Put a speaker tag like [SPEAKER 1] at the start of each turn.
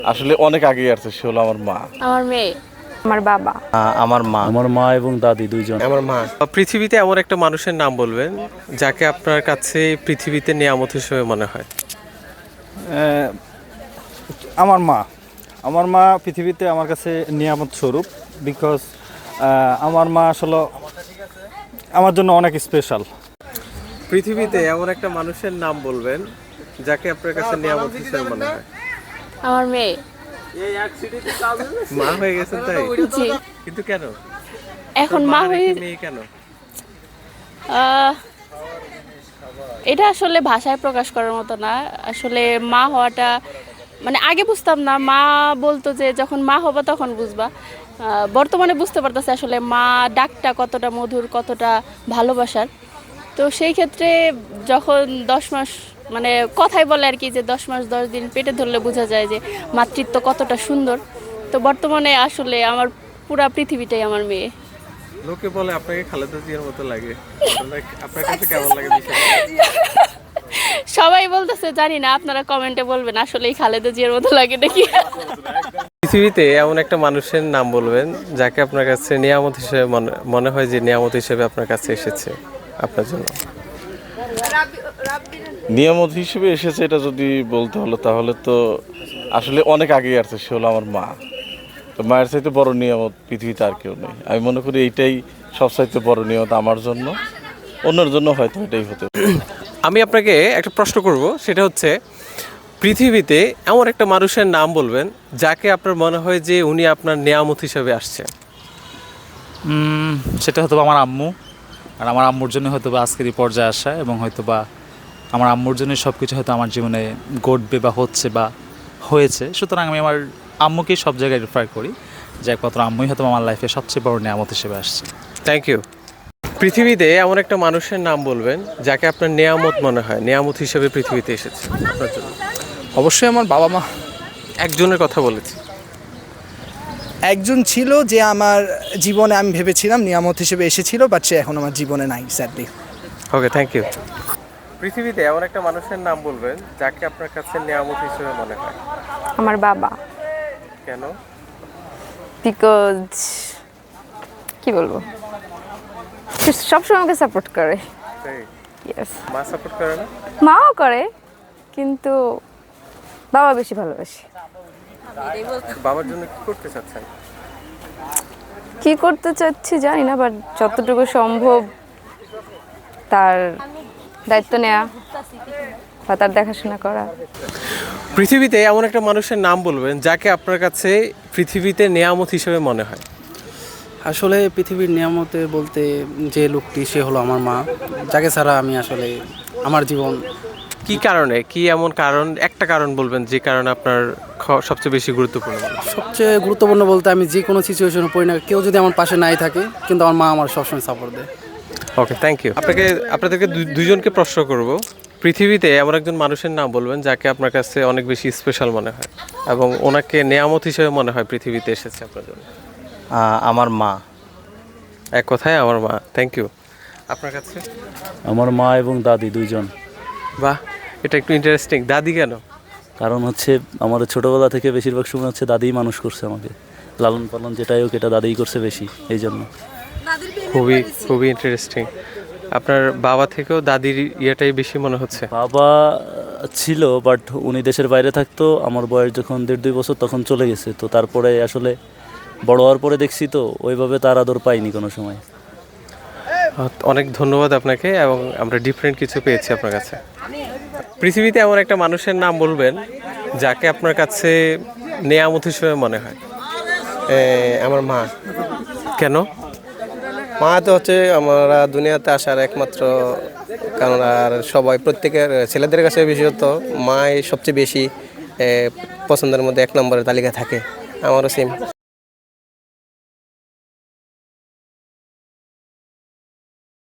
[SPEAKER 1] আসলে অনেক আগেই আসছে, সে হলো আমার মা।
[SPEAKER 2] আমার মেয়ে, আমার বাবা,
[SPEAKER 3] আমার মা এবং দাদি দুইজন।
[SPEAKER 4] আমার মা।
[SPEAKER 5] পৃথিবীতে এমন একটা মানুষের নাম বলবেন যাকে আপনার কাছে পৃথিবীতে নিয়ামত হিসেবে মনে হয়।
[SPEAKER 3] আমার মা। আমার মা পৃথিবীতে আমার কাছে নিয়ামত স্বরূপ, বিকজ আমার মা আসলে আমার জন্য অনেক স্পেশাল।
[SPEAKER 5] পৃথিবীতে এমন একটা মানুষের নাম বলবেন যাকে আপনার কাছে নিয়ামত হিসেবে মনে হয়।
[SPEAKER 2] আমার মেয়ে।
[SPEAKER 5] মা হয়ে গেছেন তাই?
[SPEAKER 2] জি।
[SPEAKER 5] কিন্তু কেন
[SPEAKER 2] এখন মা হয়ে
[SPEAKER 5] মেয়ে কেন?
[SPEAKER 2] এটা আসলে ভাষায় প্রকাশ করার মতো না। আসলে মা হওয়াটা মানে আগে বুঝতাম না, মা বলতো যে যখন মা হবা তখন বুঝবা। বর্তমানে বুঝতে পারতেছে আসলে মা ডাকটা কতটা মধুর, কতটা ভালোবাসার। তো সেই ক্ষেত্রে যখন 10 মাস মানে কথাই বলে আর কি, যে 10 মাস 10 দিন পেটে ধরলে বোঝা যায় যে মাতৃত্ব কতটা সুন্দর। তো বর্তমানে আসলে আমার পুরা পৃথিবীটাই আমার মেয়ে।
[SPEAKER 5] লোকে বলে আপনাকে খালেদা জিয়ার মতো লাগে, আপনার কাছে কেমন লাগে বিষয়টা?
[SPEAKER 2] সবাই বলতেছে, জানি না, আপনারা কমেন্টে বলবেন আসলেই খালেদা জিয়ার মতো লাগে নাকি।
[SPEAKER 5] পৃথিবীতে এমন একটা মানুষের নাম বলবেন যাকে আপনার কাছে নিয়ামত হিসেবে মনে হয় যে নিয়ামত হিসেবে আপনার কাছে এসেছে আপনার জন্য।
[SPEAKER 1] নিয়ামত হিসেবে এসেছে এটা যদি বলতে হলো, তাহলে তো আসলে অনেক আগেই আসছে, সে হলো আমার মা। তো মায়ের চাইতে বড় নিয়ামত পৃথিবীতে আর কেউ নেই। আমি মনে করি এইটাই সবচাইতে বড় নিয়ামত আমার জন্য, অন্যের জন্য হয়তো এটাই হতে পারে।
[SPEAKER 5] আমি আপনাকে একটা প্রশ্ন করব, সেটা হচ্ছে পৃথিবীতে এমন একটা মানুষের নাম বলবেন যাকে আপনার মনে হয় যে উনি আপনার নিয়ামত হিসেবে আসছে।
[SPEAKER 6] সেটা হয়তো আমার আম্মু। আর আমার আম্মুর জন্য হয়তো বা আজকের এই পর্যায়ে আসা, এবং হয়তো বা আমার আম্মুর জন্য সব কিছু হয়তো আমার জীবনে ঘটবে বা হচ্ছে বা হয়েছে। সুতরাং আমি আমার আম্মুকেই সব জায়গায় রেফার করি যে একমাত্র আম্মুই হয়তো আমার লাইফে সবচেয়ে বড় নিয়ামত হিসেবে আসছে।
[SPEAKER 5] Thank you. পৃথিবীতে এমন একটা মানুষের নাম বলবেন যাকে আপনার নিয়ামত মনে হয়, নিয়ামত হিসেবে পৃথিবীতে এসেছে আপনার জন্য।
[SPEAKER 4] অবশ্যই আমার বাবা মা।
[SPEAKER 5] একজনের কথা বলেছি।
[SPEAKER 4] একজন ছিল যে আমার জীবনে আমি ভেবেছিলাম নিয়ামত হিসেবে এসেছিল, বাট সে এখন আমার জীবনে নাই, স্যাডলি।
[SPEAKER 5] Okay, thank you. পৃথিবীতে এমন একটা মানুষের নাম বলবেন যাকে আপনার কাছে নিয়ামত হিসেবে মনে হয়।
[SPEAKER 2] আমার বাবা।
[SPEAKER 5] কেন?
[SPEAKER 2] বিকজ কি বলবো, সে সবসময় আমাকে সাপোর্ট করে।
[SPEAKER 5] তাই?
[SPEAKER 2] ইয়েস।
[SPEAKER 5] মা সাপোর্ট করে না?
[SPEAKER 2] মাও করে, কিন্তু বাবা বেশি ভালোবাসে।
[SPEAKER 5] বাবার জন্য কি করতে চাচ্ছেন?
[SPEAKER 2] কি করতে চাচ্ছি জানি না, বাট যতটুকু সম্ভব তার দায়িত্ব নেওয়া বা তার দেখাশোনা করা।
[SPEAKER 5] পৃথিবীতে এমন একটা মানুষের নাম বলবেন যাকে আপনার কাছে পৃথিবীতে নিয়ামত হিসেবে মনে হয়।
[SPEAKER 7] আসলে পৃথিবীর নিয়ামতে বলতে যে লোকটি, সে হলো আমার মা, যাকে ছাড়া আমি আসলে আমার জীবন।
[SPEAKER 5] কি কারণে, কি এমন কারণ, একটা কারণ বলবেন যে কারণে আপনার সবচেয়ে বেশি গুরুত্বপূর্ণ?
[SPEAKER 7] সবচেয়ে গুরুত্বপূর্ণ বলতে আমি যে কোনো সিচুয়েশনে পড়ি না, কেউ যদি আমার পাশে নাই থাকে, কিন্তু আমার মা আমার সবসময় সাপোর্ট দেয়।
[SPEAKER 5] Okay, thank you. আপনাদেরকে দুইজনকে প্রশ্ন করব। পৃথিবীতে এমন একজন মানুষের নাম বলবেন যাকে আপনার কাছে অনেক বেশি স্পেশাল মনে হয় এবং ওনাকে নিয়ামত হিসেবে মনে হয় পৃথিবীতে এসেছে আপনার জন্য।
[SPEAKER 3] আমার মা।
[SPEAKER 5] এক কথায় আমার মা। Thank you. আপনার কাছে?
[SPEAKER 3] আমার মা এবং দাদি দুইজন।
[SPEAKER 5] বাহ, এটা একটু ইন্টারেস্টিং। দাদি কেন?
[SPEAKER 3] কারণ হচ্ছে আমাদের ছোটোবেলা থেকে বেশিরভাগ সময় হচ্ছে দাদিই মানুষ করছে আমাকে, লালন পালন যেটাই হোক এটা দাদিই করছে বেশি, এই জন্য।
[SPEAKER 5] খুবই খুবই ইন্টারেস্টিং। আপনার বাবা থেকেও দাদির ইয়েটাই বেশি মনে হচ্ছে?
[SPEAKER 3] বাবা ছিল, বাট উনি দেশের বাইরে থাকতো। আমার বয়স যখন 1.5-2 বছর তখন চলে গেছে। তো তারপরে আসলে বড় হওয়ার পরে দেখছি তো ওইভাবে তার আদর পাইনি কোনো সময়।
[SPEAKER 5] অনেক ধন্যবাদ আপনাকে, এবং আমরা ডিফারেন্ট কিছু পেয়েছি আপনার কাছে। পৃথিবীতে এমন একটা মানুষের নাম বলবেন যাকে আপনার কাছে নিয়ামত হিসেবে মনে হয়।
[SPEAKER 4] আমার মা।
[SPEAKER 5] কেন?
[SPEAKER 4] মা তো হচ্ছে আমরা দুনিয়াতে আসার একমাত্র কারণ। আর সবাই প্রত্যেকের ছেলেদের কাছে বিশেষত মাই সবচেয়ে বেশি পছন্দের মধ্যে 1 নম্বরের তালিকা থাকে। আমারও সেম।